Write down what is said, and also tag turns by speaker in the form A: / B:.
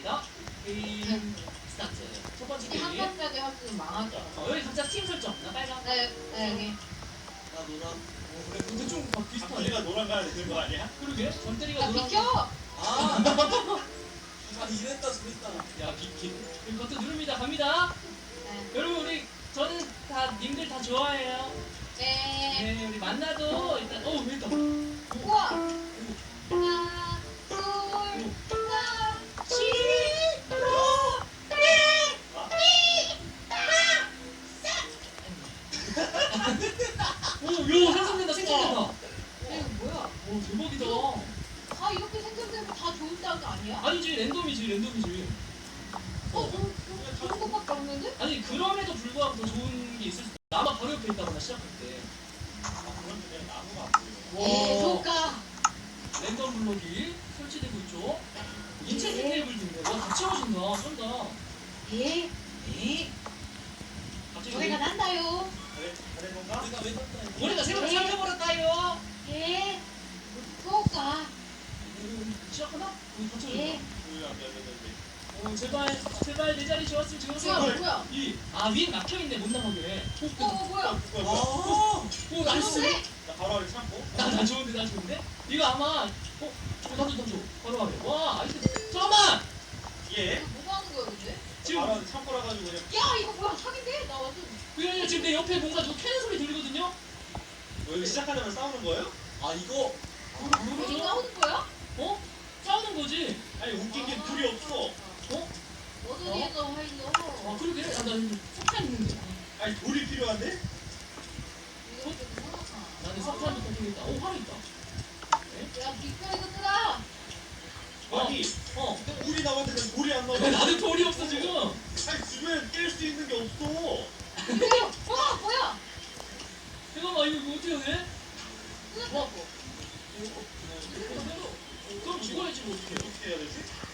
A: 갑니다. 게임 스타트. 첫 번째
B: 이게 한
A: 게임.
B: 번짜리 하면 망하죠.
A: 여기 각자 팀 설정. 나 빨강.
B: 네, 여기.
C: 나 노랑.
A: 그래, 근데 좀 비슷하네.
C: 박준이가 노랑 가야 되는 거 아니야?
A: 그러게. 전태리가
B: 야,
A: 노란.
B: 비켜!
C: 아 이랬다 저랬다.
A: 야, 비키. 여기 버튼 누릅니다. 갑니다.
B: 네.
A: 여러분, 우리 저는 다 님들 다 좋아해요.
B: 네.
A: 네, 우리 만나도 일단 왜다.
B: 우와! 하나, 둘, 셋,
A: 요 생성된다. 생성된다.
B: 이거 뭐야?
A: 오, 대박이다.
B: 다 이렇게 생성되면 다 좋은 짝이 아니야?
A: 아니지, 랜덤이지.
B: 좋은 것밖에 없는데?
A: 아니, 그럼에도 불구하고 더 좋은 게 있을 수도. 나만 바로 옆에 있다거나 시작할 때.
C: 그건 그냥 나무가 안 보여.
B: 예, 좋까.
A: 랜덤 블록이 설치되고 있죠. 인체트 테이블도 있네. 와, 다 채워진다. 쩐다.
B: 예,
A: 갑자기
B: 노래가 난다요.
C: 그래 건가? 우리가 왜 떴다?
A: 머리가 세번을 삼켜버렸다요.
B: 예, 좋까.
A: 시작하나? 우리 다
B: 예.
A: 채워진다.
C: 안
A: 제발 내 자리 좋았으면 좋았어.
B: 뭐야?
A: 위에 막혀있네. 못 나가게.
B: 뭐야?
A: 오, 나이스.
B: 왜?
C: 나 바로 아래 참고.
A: 나 좋은데? 이거 아마, 나도. 바로 하래. 와, 아이스. 잠깐만!
C: 예.
B: 이거 뭐 하는 거야, 근데?
A: 지금,
C: 바로 아래 참고라 가지고 그냥.
B: 야, 이거 뭐야? 사기인데? 나 완전.
A: 그냥 지금 내 옆에 뭔가 누구 캐는 소리 들리거든요?
C: 뭐 여기 시작하자면 싸우는 거예요? 아 이거.
B: 우리 싸우는 거야?
A: 싸우는 거지.
C: 아니 웃긴 게 둘이 없어.
B: 어디에서 하이노?
A: 그러게. 나 석탄 있는데.
C: 아니 돌이 필요한데?
B: 이거 좀 이상하다.
A: 나는 석탄부터 생겼다. 화로 있다.
B: 야, 비켜 이것들아!
C: 아니 물이 나왔는데 돌이 안 나와.
A: 나는 돌이 없어, 지금.
C: 아니 주변에 깰 수 있는 게 없어.
B: 뭐야?
A: 잠깐만, 이거 어떻게 해?
B: 끝났다고.
A: 그럼 죽어야지, 뭐 어떡해.
C: 어떻게 해야 되지?